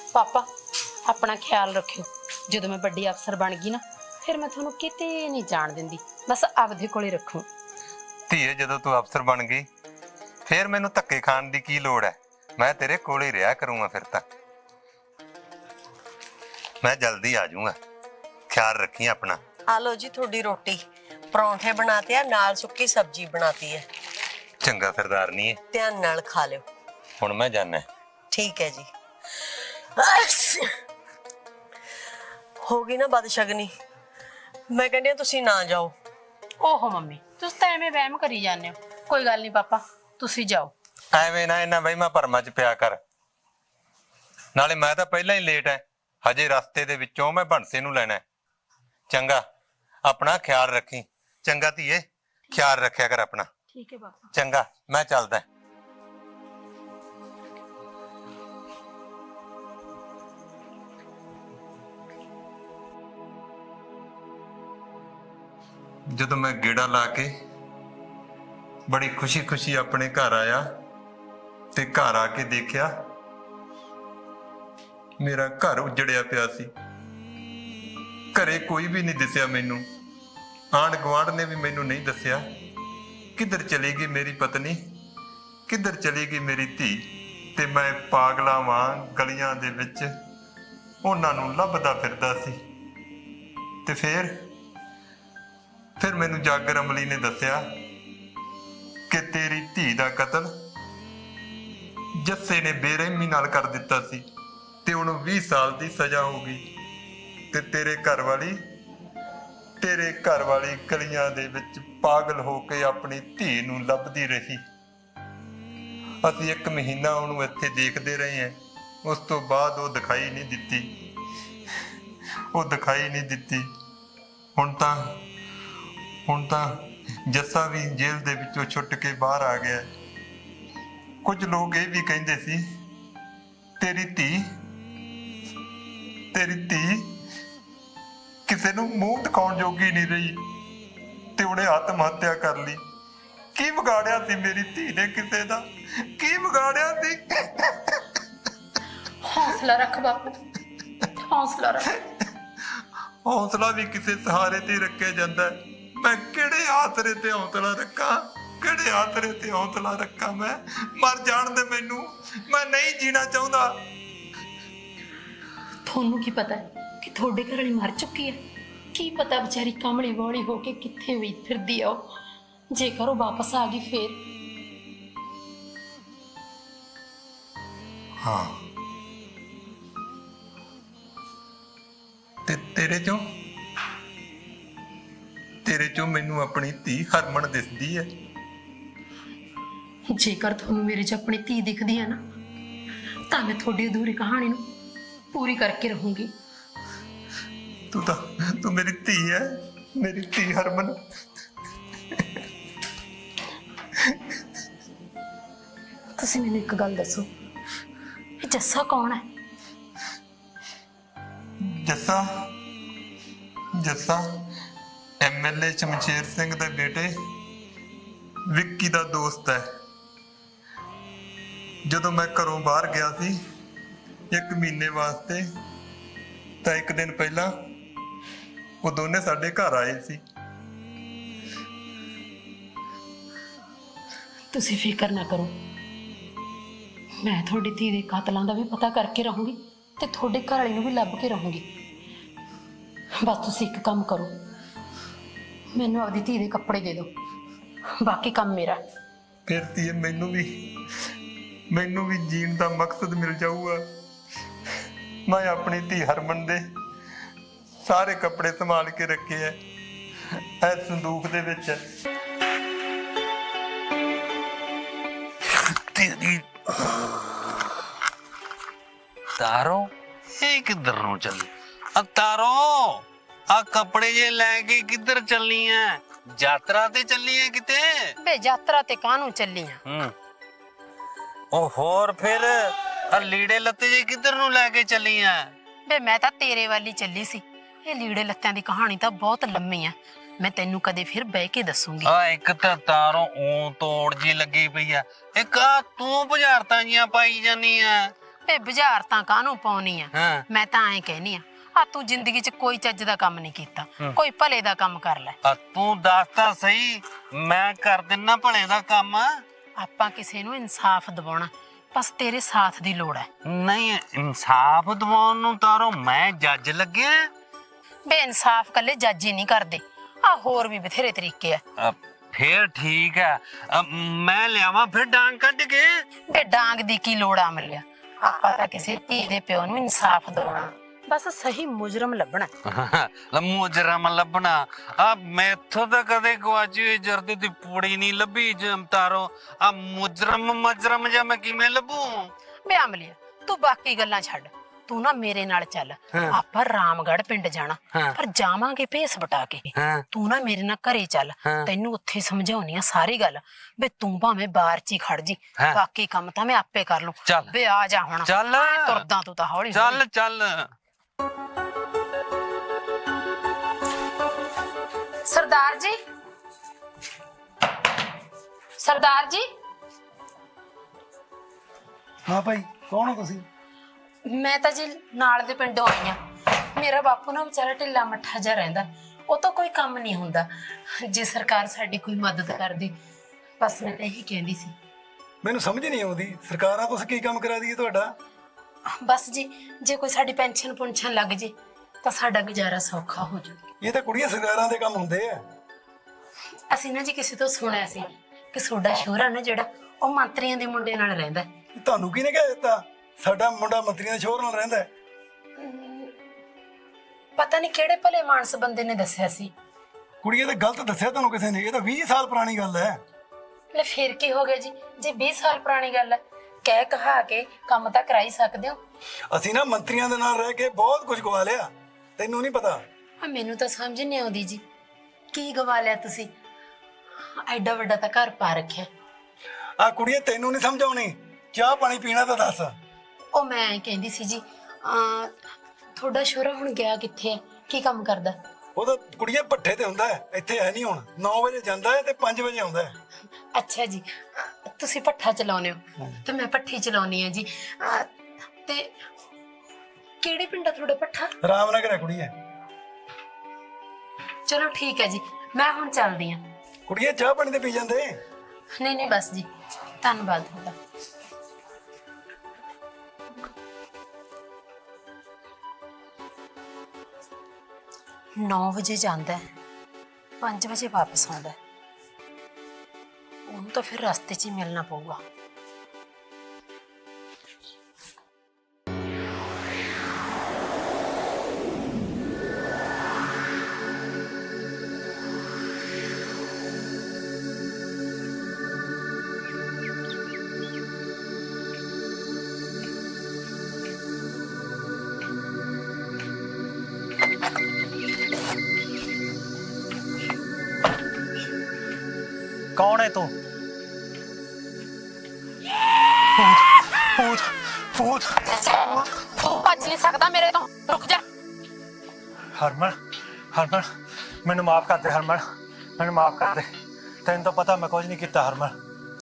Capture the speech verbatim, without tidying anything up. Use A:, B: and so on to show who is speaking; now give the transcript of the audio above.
A: पापा अपना ख्याल रखियो, जो मैं बड़ी अफसर बन गई ना फिर मैं थोनू किते नहीं जान देंदी, बस आपदे कोले रखूं।
B: धीए जदों तू अफसर बन गई फिर मैनू धक्के खाण दी की लोड़ है, मैं तेरे कोल ही रहा करूंगा। फिर तां मैं जल्दी आ जाऊंगा, ख्याल रखी अपना।
C: आ लो जी थोड़ी रोटी, परौंठे बनाते हैं नाल सुक्की सब्जी बनाती है।
B: चंगा सरदारनी है,
C: ध्यान नाल खा लो।
B: हुण मैं जाना।
C: ठीक है जी। हो गई ना बदशगनी, मैं कहनी तुसी ना जाओ।
A: ओहो मम्मी तुस तां एवें वहम करी जाने हो, कोई गल नहीं पापा तुसी जाओ।
B: ਐਵੇਂ ਨਾ ਇਹਨਾਂ ਵਹਿਮਾਂ ਭਰਮਾਂ ਚ ਪਿਆ ਕਰ, ਨਾਲੇ ਮੈਂ ਤਾਂ ਪਹਿਲਾਂ ਹੀ ਲੇਟ ਐ, ਹਜੇ ਰਸਤੇ ਦੇ ਵਿੱਚੋਂ ਮੈਂ ਬੰਸੇ ਨੂੰ ਲੈਣਾ। ਚੰਗਾ ਆਪਣਾ ਖਿਆਲ ਰੱਖੀ। ਚੰਗਾ ਧੀਏ, ਖਿਆਲ ਰੱਖਿਆ ਕਰ ਆਪਣਾ।
A: ठीक है पापा।
B: ਚੰਗਾ ਮੈਂ ਚੱਲਦਾ। ਜਦੋਂ ਮੈਂ ਗੇੜਾ ਲਾ ਕੇ ਬੜੀ ਖੁਸ਼ੀ ਖੁਸ਼ੀ ਆਪਣੇ ਘਰ ਆਇਆ ਤੇ ਘਰ ਆ ਕੇ ਦੇਖਿਆ ਮੇਰਾ ਘਰ ਉਜੜਿਆ ਪਿਆ ਸੀ। ਘਰੇ ਕੋਈ ਵੀ ਨਹੀਂ ਦਿਸਿਆ ਮੈਨੂੰ, ਆਂਢ ਗੁਆਂਢ ਨੇ ਵੀ ਮੈਨੂੰ ਨਹੀਂ ਦੱਸਿਆ ਕਿੱਧਰ ਚਲੀ ਗਈ ਮੇਰੀ ਪਤਨੀ, ਕਿੱਧਰ ਚਲੀ ਗਈ ਮੇਰੀ ਧੀ। ਤੇ ਮੈਂ ਪਾਗਲਾਂ ਵਾਂਗ ਗਲੀਆਂ ਦੇ ਵਿੱਚ ਉਹਨਾਂ ਨੂੰ ਲੱਭਦਾ ਫਿਰਦਾ ਸੀ। ਤੇ ਫਿਰ ਫਿਰ ਮੈਨੂੰ ਜਾਗਰ ਅਮਲੀ ਨੇ ਦੱਸਿਆ ਕਿ ਤੇਰੀ ਧੀ ਦਾ ਕਤਲ ਜੱਸੇ ਨੇ ਬੇਰਹਿਮੀ ਨਾਲ ਕਰ ਦਿੱਤਾ ਸੀ ਤੇ ਉਹਨੂੰ ਵੀਹ ਸਾਲ ਦੀ ਸਜ਼ਾ ਹੋ ਗਈ। ਤੇ ਤੇਰੇ ਘਰ ਵਾਲੀ ਤੇਰੇ ਘਰ ਵਾਲੀ ਗਲੀਆਂ ਦੇ ਵਿੱਚ ਪਾਗਲ ਹੋ ਕੇ ਆਪਣੀ ਧੀ ਨੂੰ ਲੱਭਦੀ ਰਹੀ। ਅਸੀਂ ਇੱਕ ਮਹੀਨਾ ਉਹਨੂੰ ਇੱਥੇ ਦੇਖਦੇ ਰਹੇ ਹਾਂ, ਉਸ ਤੋਂ ਬਾਅਦ ਉਹ ਦਿਖਾਈ ਨਹੀਂ ਦਿੱਤੀ, ਉਹ ਦਿਖਾਈ ਨਹੀਂ ਦਿੱਤੀ। ਹੁਣ ਤਾਂ ਹੁਣ ਤਾਂ ਜੱਸਾ ਵੀ ਜੇਲ੍ਹ ਦੇ ਵਿੱਚੋਂ ਛੁੱਟ ਕੇ ਬਾਹਰ ਆ ਗਿਆ। ਕੁਝ ਲੋਕ ਇਹ ਵੀ ਕਹਿੰਦੇ ਸੀ ਤੇਰੀ ਧੀ ਤੇਰੀ ਧੀ ਕਿਸੇ ਨੂੰ ਮੂੰਹ ਦਿਖਾਉਣ ਜੋਗੀ ਨਹੀਂ ਰਹੀ ਤੇ ਉਹਨੇ ਆਤਮ ਹੱਤਿਆ ਕਰ ਲਈ। ਕੀ ਵਿਗਾੜਿਆ ਸੀ ਮੇਰੀ ਧੀ ਨੇ ਕਿਸੇ ਦਾ, ਕੀ ਵਿਗਾੜਿਆ ਸੀ?
A: हौसला रख बापू, हौसला रख।
B: ਹੌਸਲਾ ਵੀ ਕਿਸੇ ਸਹਾਰੇ ਤੇ ਰੱਖਿਆ ਜਾਂਦਾ। मैं किहड़े आसरे ते हौसला रखा, किहड़े आसरे ते हौसला रखा? मैं मर जान दे मैनू, मैं नहीं जीना चाहता।
A: थोनू की पता है कि थोड़े घर वाली मर चुकी है? की पता बेचारी कमली बौली होके कित्थे हुई फिरदी आ, जेकर वो वापस आ गई फिर।
B: हाँ ते तेरे चों तेरे चों मैनू अपनी धी हरमन दिसदी है।
A: जेकर थोनू मेरे च अपनी धी दिखदी है ना तां मैं थोड़ी अधूरी कहानी नू पूरी करके रहूंगी।
B: तू तो तू मेरी धी है, मेरी धी हरमन।
A: तुसीं मैनू एक गल दसो, ये जस्सा कौन है?
B: Jassa Jassa M L A Shamsher Singh दे बेटे विक्की दा दोस्त है। जदों मैं घरों बाहर गया सी एक महीने वास्ते तां एक दिन पहला वो दोने साडे घर आए सी।
A: तुसीं फिकर ना करो, मैं थोड़ी धी दे कातलां दा भी पता करके रहूंगी ते थोड़े घर वाली नूं भी लभ के रहूंगी। बस तुसीं एक काम करो, मैनू अपनी धी दे कपड़े दे दो, बाकी काम मेरा।
B: फिर धीए मैनू भी मैनू भी जीण दा मकसद मिल जाऊगा। मैं अपनी धी हरमन दे सारे कपड़े संभाल के रखे है, ऐ संदूक दे विच।
D: तारो ये किधर नु चली? अब तारो आ कपड़े जे लेके किधर चलनी है? यात्रा ते चलनी है किते?
A: बे यात्रा ते कानू चली हां।
D: हम्म ओ होर फिर आ लीड़े लत्ते जे किधर नु लेके चली है?
A: बे मैं तां तेरे वाली चली सी। ये लीड़े लत्तियां दी कहानी तां बहुत लंमी है, मैं तेनू कदे फिर बह के दसूंगी।
D: आ एक तां तारो ऊ तोड़ जी लगी पई है, एक आ तू बुझारतां जियां पाई जानी है।
A: ਵੇ ਬੁਝਾਰਤਾਂ ਕਾਹਨੂੰ ਪਾਉਣੀ ਆ?
D: ਹਾਂ
A: ਮੈਂ ਤਾਂ ਐਂ ਕਹਿਨੀ ਆ, ਆ ਤੂੰ ਜ਼ਿੰਦਗੀ 'ਚ ਕੋਈ ਚੱਜ ਦਾ ਕੰਮ ਨਹੀਂ ਕੀਤਾ, ਕੋਈ ਭਲੇ ਦਾ ਕੰਮ ਕਰ ਲੈ।
D: ਆ ਤੂੰ ਦੱਸ ਤਾਂ ਸਹੀ, ਮੈਂ ਕਰ ਦਿੰਨਾ ਭਲੇ ਦਾ ਕੰਮ।
A: ਆਪਾਂ ਕਿਸੇ ਨੂੰ ਇਨਸਾਫ ਦਿਵਾਉਣਾ, ਬਸ ਤੇਰੇ ਸਾਥ ਦੀ ਲੋੜ ਹੈ।
D: ਨਹੀਂ ਇਨਸਾਫ ਦਿਵਾਉਣ ਨੂੰ ਤਾਰੋ ਮੈਂ ਜੱਜ ਲੱਗਿਆ।
A: ਬੇ ਇਨਸਾਫ ਕੱਲੇ ਜੱਜ ਹੀ ਨਹੀਂ ਕਰਦੇ, ਆ ਹੋਰ ਵੀ ਬਥੇਰੇ ਤਰੀਕੇ ਆ।
D: ਅ, ਫੇਰ ਠੀਕ ਹੈ, ਅ, ਮੈਂ ਲਿਆਵਾਂ ਫਿਰ ਡਾਂਗ ਕੱਢ ਕੇ।
A: ਬੇ ਡਾਂਗ ਦੀ ਕੀ ਲੋੜ ਆ ਮਿਲਿਆ, ਆਪਾਂ ਤਾਂ ਕਿਸੇ ਧੀ ਦੇ ਪਿਓ ਨੂੰ ਇਨਸਾਫ ਦਿਵਾਉਣਾ, ਬਸ ਸਹੀ ਮੁਜਰਮ ਲੱਭਣਾ।
D: ਮੁਜਰਮ ਲੱਭਣਾ? ਆ ਮੈਥੋਂ ਤਾਂ ਕਦੇ ਗਵਾਚੀ ਹੋਈ ਜਰਦੇ ਦੀ ਪੂੜੀ ਨਹੀਂ ਲੱਭੀ ਜਮਤਾਰੋ। ਆ ਮੁਜਰਮ ਮਜਰਮ ਜਾਂ ਮੈਂ ਕਿਵੇਂ ਲੱਭੂ?
A: ਬੇ ਅਮਲੀਆ ਤੂੰ ਬਾਕੀ ਗੱਲਾਂ ਛੱਡ, ਤੂੰ ਨਾ ਮੇਰੇ ਨਾਲ ਚੱਲ, ਆਪਾਂ ਰਾਮਗੜ੍ਹ ਪਿੰਡ ਜਾਣਾ, ਪਰ ਜਾਵਾਂਗੇ ਭੇਸ ਬਟਾ ਕੇ। ਤੂੰ ਨਾ ਮੇਰੇ ਨਾਲ ਘਰੇ ਚੱਲ, ਤੈਨੂੰ ਉੱਥੇ ਸਮਝਾਉਣੀ ਆ ਸਾਰੀ ਗੱਲ। ਬੇ ਤੂੰ ਭਾਵੇਂ ਬਾਹਰ ਚ ਹੀ ਖੜ ਜੀ, ਬਾਕੀ ਕੰਮ ਤਾਂ ਮੈਂ ਆਪੇ ਕਰ ਲੂੰ। ਬੇ ਆ ਜਾ ਹੁਣ,
D: ਚੱਲ
A: ਤੁਰਦਾ ਤੂੰ ਤਾਂ ਹੌਲੀ
D: ਚੱਲ ਚੱਲ।
A: ਸਰਦਾਰ ਜੀ, ਸਰਦਾਰ ਜੀ।
E: ਹਾਂ ਭਾਈ, ਕੌਣ ਹੋ ਤੁਸੀਂ?
A: ਮੈਂ ਤਾਂ ਜੀ ਨਾਲ ਦੇ ਪਿੰਡੋਂ ਆਈ ਆ। ਮੇਰਾ ਬਾਪੂ ਨਾ ਵਿਚਾਰਾ ਢਿੱਲਾ ਮੱਠਾ ਜਿਹਾ ਰਹਿੰਦਾ, ਉਹ ਤਾਂ ਕੋਈ ਕੰਮ ਨਹੀਂ ਹੁੰਦਾ। ਜੇ ਸਰਕਾਰ ਸਾਡੀ ਕੋਈ ਮਦਦ ਕਰਦੀ, ਬਸ ਮੈਂ ਤਾਂ ਇਹੀ ਕਹਿੰਦੀ ਸੀ।
E: ਮੈਨੂੰ ਸਮਝ ਨਹੀਂ ਆਉਂਦੀ, ਸਰਕਾਰਾਂ ਤੁਸੀਂ ਕੀ ਕੰਮ ਕਰਾ ਦਈਏ ਤੁਹਾਡਾ?
A: ਬਸ ਜੀ, ਜੇ ਕੋਈ ਸਾਡੀ ਪੈਨਸ਼ਨ ਪੁੰਸ਼ਨ ਲੱਗ ਜੇ ਤਾਂ ਸਾਡਾ ਗੁਜ਼ਾਰਾ ਸੌਖਾ ਹੋ ਜਾਊ।
E: ਇਹ ਤਾਂ ਕੁੜੀਆਂ ਸਰਕਾਰਾਂ ਦੇ ਕੰਮ ਹੁੰਦੇ ਆ।
A: ਅਸੀਂ ਨਾ ਜੀ ਕਿਸੇ ਤੋਂ ਸੁਣਿਆ ਸੀ ਕਿ ਤੁਹਾਡਾ ਸ਼ੋਹਰਾ ਨਾ ਜਿਹੜਾ, ਉਹ ਮੰਤਰੀਆਂ ਦੇ ਮੁੰਡੇ ਨਾਲ ਰਹਿੰਦਾ।
E: ਤੁਹਾਨੂੰ ਕਿਹਨੇ ਕਹਿ ਦਿੱਤਾ ਸਾਡਾ ਮੁੰਡਾ ਮੰਤਰੀਆਂ ਦੇ ਸ਼ੋਹਰ ਨਾਲ ਰਹਿੰਦਾ ਹੈ?
A: ਪਤਾ ਨਹੀਂ ਕਿਹੜੇ ਭਲੇ ਮਾਨਸ ਬੰਦੇ ਨੇ ਦੱਸਿਆ ਸੀ।
E: ਕੁੜੀਏ ਤਾਂ ਗਲਤ ਦੱਸਿਆ ਤੁਹਾਨੂੰ ਕਿਸੇ ਨੇ, ਇਹ ਤਾਂ ਵੀਹ ਸਾਲ ਪੁਰਾਣੀ ਗੱਲ ਹੈ।
A: ਲੈ ਫਿਰ ਕੀ ਹੋ ਗਿਆ ਜੀ, ਜੇ ਵੀਹ ਸਾਲ ਪੁਰਾਣੀ ਗੱਲ ਹੈ, ਕਹਿ ਕਹਾ ਕੇ ਕੰਮ ਤਾਂ ਕਰਾ ਹੀ ਸਕਦੇ ਹੋ।
E: ਅਸੀਂ ਨਾ ਮੰਤਰੀਆਂ ਦੇ ਨਾਲ ਰਹਿ ਕੇ ਬਹੁਤ ਕੁਝ ਗਵਾ ਲਿਆ, ਤੈਨੂੰ ਨਹੀਂ ਪਤਾ।
A: ਆ ਮੈਨੂੰ ਤਾਂ ਸਮਝ ਨਹੀਂ ਆਉਂਦੀ ਜੀ, ਕੀ ਗਵਾ ਲਿਆ ਤੁਸੀਂ? ਐਡਾ ਵੱਡਾ ਤਾਂ ਘਰ ਪਾ ਰੱਖਿਆ।
E: ਆ ਕੁੜੀਏ ਤੈਨੂੰ ਨਹੀਂ ਸਮਝ ਆਉਣੀ, ਚਾਹ ਪਾਣੀ ਪੀਣਾ ਤਾਂ ਦੱਸ।
A: ਉਹ ਮੈਂ ਕਹਿੰਦੀ ਸੀ ਜੀ, ਆ ਤੁਹਾਡਾ ਸ਼ੋਹਰਾ ਹੁਣ ਗਿਆ ਕਿੱਥੇ ਹੈ, ਕੀ ਕੰਮ ਕਰਦਾ?
E: ਉਹ ਤਾਂ ਕੁੜੀਏ ਭੱਠੇ ਤੇ ਹੁੰਦਾ ਹੈ, ਇੱਥੇ ਹੈ ਨਹੀਂ ਹੁਣ। ਨੌ ਵਜੇ ਜਾਂਦਾ ਹੈ ਤੇ ਪੰਜ ਵਜੇ ਆਉਂਦਾ ਹੈ।
A: ਅੱਛਾ ਜੀ, ਤੁਸੀਂ ਭੱਠਾ ਚਲਾਉਂਦੇ ਹੋ ਤੇ ਮੈਂ ਭੱਠੀ ਚਲਾਉਣੀ ਆ ਜੀ। ਅਹ, ਤੇ ਕਿਹੜੇ ਪਿੰਡ ਆ ਤੁਹਾਡਾ ਭੱਠਾ?
E: ਰਾਮਨਗਰ ਹੈ ਕੁੜੀਏ।
A: ਚਲੋ ਠੀਕ ਹੈ ਜੀ, ਮੈਂ ਹੁਣ ਚੱਲਦੀ ਆ।
E: ਕੁੜੀਏ ਚਾਹ ਪਾਣੀ ਤੇ ਪੀ ਜਾਂਦੇ।
A: ਨਹੀਂ ਨਹੀਂ ਬਸ ਜੀ, ਧੰਨਵਾਦ ਤੁਹਾਡਾ। ਨੌ ਵਜੇ ਜਾਂਦਾ ਹੈ, ਪੰਜ ਵਜੇ ਵਾਪਸ ਆਉਂਦਾ ਹੈ। ਉਹਨੂੰ ਤਾਂ ਫਿਰ ਰਸਤੇ 'ਚ ਹੀ ਮਿਲਣਾ ਪਊਗਾ।
F: कौन है तू? भूत भूत भूत
A: ਤੂੰ ਭੱਜ ਨਹੀਂ ਸਕਦਾ ਮੇਰੇ ਤੋਂ, ਰੁਕ ਜਾ।
F: हरमन हरमन मैनू माफ कर दे हरमन, मैनू माफ कर दे। तेन तो पता मैं कुछ नहीं किया हरमन।